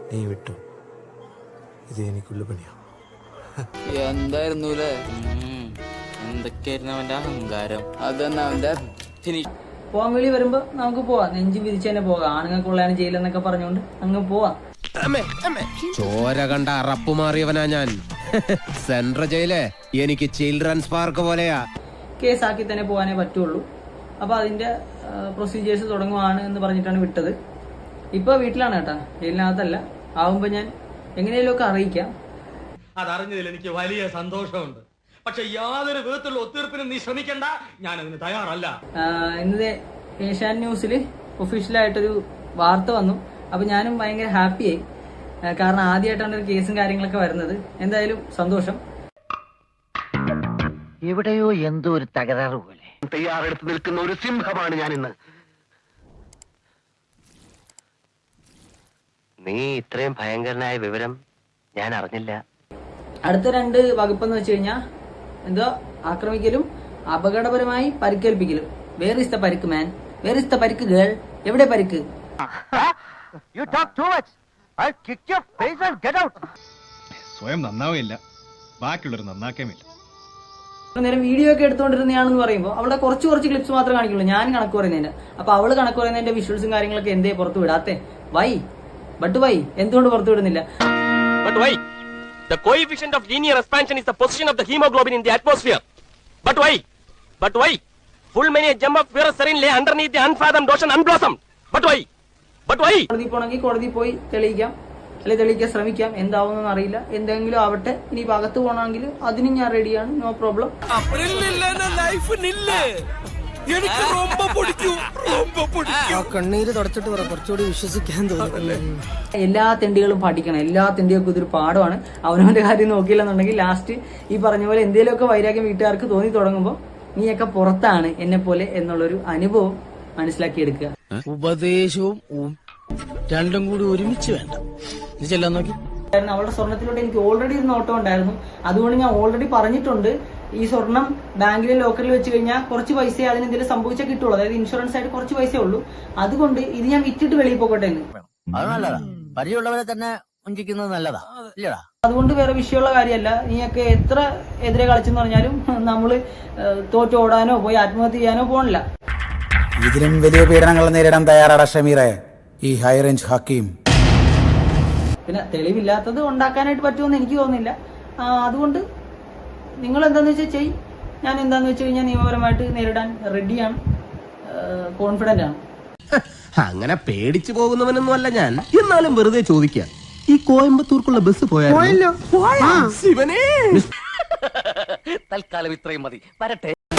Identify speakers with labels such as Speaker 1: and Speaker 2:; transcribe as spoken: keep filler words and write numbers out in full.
Speaker 1: നീ വിട്ടു. ഇത് എനിക്കുള്ള പണിയാ.
Speaker 2: എന്തായിരുന്നു എന്തൊക്കെയായിരുന്നു അവന്റെ അഹങ്കാരം. അതന്നെ അവന്റെ
Speaker 3: പോവാൻ വേണ്ടി വരുമ്പോ നമുക്ക് പോവാം, നെഞ്ചും വിരിച്ചു തന്നെ പോകാം. ആണുങ്ങൾക്കുള്ളതാണ് ജയിലെന്നൊക്കെ പറഞ്ഞുകൊണ്ട് അങ്ങ് പോവാം.
Speaker 4: ചോര കണ്ട അറപ്പ് മാറിയവനാ ഞാൻ. സെൻട്രൽ ജയില് എനിക്ക് ചിൽഡ്രൻസ് പാർക്ക് പോലെയാ.
Speaker 3: കേസാക്കി തന്നെ പോകാനേ പറ്റുള്ളൂ. അപ്പൊ അതിന്റെ പ്രൊസീജിയേഴ്സ് തുടങ്ങുവാണ് എന്ന് പറഞ്ഞിട്ടാണ് വിട്ടത്. ഇപ്പൊ വീട്ടിലാണ് കേട്ടാ, ജയിലിനകത്തല്ല. ആവുമ്പോ ഞാൻ എങ്ങനെയും ഒക്കെ അറിയിക്കാം.
Speaker 5: അതറിഞ്ഞതിൽ എനിക്ക് വലിയ സന്തോഷമുണ്ട്. പക്ഷെ യാതൊരു വിധത്തിലുള്ള ഒത്തീർപ്പിനും നീ ശ്രമിക്കണ്ട, ഞാൻ അതിന് തയ്യാറല്ല.
Speaker 3: ഇന്നത്തെ ഏഷ്യാൻ ന്യൂസിൽ ഒഫീഷ്യലായിട്ടൊരു വാർത്ത വന്നു. അപ്പൊ ഞാനും ഭയങ്കര ഹാപ്പിയായി, കാരണം ആദ്യമായിട്ടാണ് ഒരു കേസും കാര്യങ്ങളൊക്കെ വരുന്നത്. എന്തായാലും സന്തോഷം.
Speaker 6: എവിടെയോ എന്തോ ഒരു തകരാറ് പോലെ.
Speaker 7: തയ്യാറെടുത്ത് നിൽക്കുന്ന ഒരു സിംഹമാണ് ഞാൻ ഇന്ന്. നീ ഇത്രയും ഭയങ്കരനായ വിവരം ഞാൻ അറിഞ്ഞില്ല.
Speaker 3: അടുത്ത രണ്ട് വകുപ്പെന്ന് വെച്ച് കഴിഞ്ഞാൽ എന്തോ ആക്രമിക്കലും അപകടപരമായി പരിക്കേൽപ്പിക്കലും. വേർ ഇസ് ദ പരിക്ക് മാൻ, വേർ ഇസ് ദ പരിക്ക് ഗേൾ, എവിടെ പരിക്ക്?
Speaker 6: You talk too much. I'll kick your face and get out.
Speaker 8: സ്വയം നന്നാവുകയില്ല, ബാക്കിയുള്ളവർ നന്നാക്കേമില്ല.
Speaker 3: നേരം വീഡിയോ ഒക്കെ എടുത്തുകൊണ്ടിരുന്നതാണെന്ന് പറയുമ്പോൾ അവളുടെ കുറച്ച് കുറച്ച് ക്ലിപ്സ് മാത്രമേ കാണിക്കുള്ളൂ, ഞാൻ കണക്ക് പറയുന്നതിന്റെ. അപ്പൊ അവള് കണക്ക് പറയുന്നതിന്റെ വിഷ്വൽസും കാര്യങ്ങളൊക്കെ എന്തേ പുറത്തു വിടാത്തെ? വൈ ബട്ട് വൈ എന്തുകൊണ്ട് പുറത്തു വിടുന്നില്ല?
Speaker 9: But why? The coefficient of linear expansion is the position of the hemoglobin in the atmosphere. But why? But why? Full many a gem of pure serene lay underneath the unfathomed ocean unblossomed. But why? But why?
Speaker 3: കോടതി പോണെങ്കിൽ കോടതി പോയി തെളിയിക്കാം, അല്ലെ തെളിയിക്കാൻ ശ്രമിക്കാം. എന്താവുന്നൊന്നും അറിയില്ല, എന്തെങ്കിലും ആവട്ടെ. ഇനി അകത്ത് പോകണമെങ്കിൽ അതിനും ഞാൻ റെഡിയാണ്, നോ പ്രോബ്ലം.
Speaker 2: കണ്ണീര് തുടച്ചിട്ട് പറ, കുറച്ചുകൂടി വിശ്വസിക്കാൻ തോന്നുന്നു.
Speaker 3: എല്ലാ തെണ്ടികളും പഠിക്കണം, എല്ലാ തെണ്ടികൾക്കും ഇതൊരു പാഠമാണ്. അവനവന്റെ കാര്യം നോക്കിയില്ലെന്നുണ്ടെങ്കിൽ ലാസ്റ്റ് ഈ പറഞ്ഞ പോലെ എന്തെങ്കിലുമൊക്കെ വൈരാഗ്യം വീട്ടുകാർക്ക് തോന്നി തുടങ്ങുമ്പോൾ നീയൊക്കെ പുറത്താണ് എന്നെ പോലെ എന്നുള്ളൊരു അനുഭവം മനസ്സിലാക്കിയെടുക്കുക.
Speaker 2: ഉപദേശവും രണ്ടും കൂടി ഒരുമിച്ച് വേണ്ട. നീ ചെല്ലാൻ നോക്കി.
Speaker 3: അവളുടെ സ്വർണത്തിലോട്ട് എനിക്ക് ഓൾറെഡി ഒരു നോട്ടം ഉണ്ടായിരുന്നു. അതുകൊണ്ട് ഞാൻ ഓൾറെഡി പറഞ്ഞിട്ടുണ്ട്, ഈ സ്വർണം ബാങ്കിലെ ലോക്കറിൽ വെച്ച് കഴിഞ്ഞാൽ കുറച്ച് പൈസ അതിന് എന്തെങ്കിലും സംഭവിച്ചാൽ കിട്ടുള്ളൂ. അതായത് ഇൻഷുറൻസ് ആയിട്ട് കുറച്ച് പൈസ ഉള്ളൂ. അതുകൊണ്ട് ഇത് ഞാൻ വിറ്റിട്ട് വെളിയിൽ പോകട്ടെ എന്ന്.
Speaker 6: അത് നല്ലതാ, പരിചയമുള്ളവരെ തന്നെ വഞ്ചിക്കുന്നത് നല്ലതാ, ഇല്ലടാ.
Speaker 3: അതുകൊണ്ട് വേറെ വിഷയമുള്ള കാര്യമല്ല. നീയൊക്കെ എത്ര എതിരെ കളിച്ചെന്ന് പറഞ്ഞാലും നമ്മള് തോറ്റോടാനോ പോയി ആത്മഹത്യ ചെയ്യാനോ പോകണില്ല.
Speaker 10: ഇതിലും വലിയ പീഡനങ്ങൾ നേരിടാൻ തയ്യാറാണ് ഷമീറെ ഈ ഹൈ റേഞ്ച് ഹക്കീം.
Speaker 3: പിന്നെ തെളിവില്ലാത്തത് ഉണ്ടാക്കാനായിട്ട് പറ്റുമെന്ന് എനിക്ക് തോന്നുന്നില്ല. അതുകൊണ്ട് നിങ്ങൾ എന്താന്ന് വെച്ചാൽ ചെയ്. ഞാൻ എന്താന്ന് വെച്ച് കഴിഞ്ഞാൽ നിയമപരമായിട്ട് നേരിടാൻ റെഡിയാണ്, കോൺഫിഡന്റ് ആണ്.
Speaker 4: അങ്ങനെ പേടിച്ചു പോകുന്നവനൊന്നും അല്ല ഞാൻ. എന്നാലും വെറുതെ ചോദിക്കാം, ഈ കോയമ്പത്തൂർക്കുള്ള ബസ് പോയാലോ?
Speaker 7: തൽക്കാലം ഇത്രയും മതി, വരട്ടെ.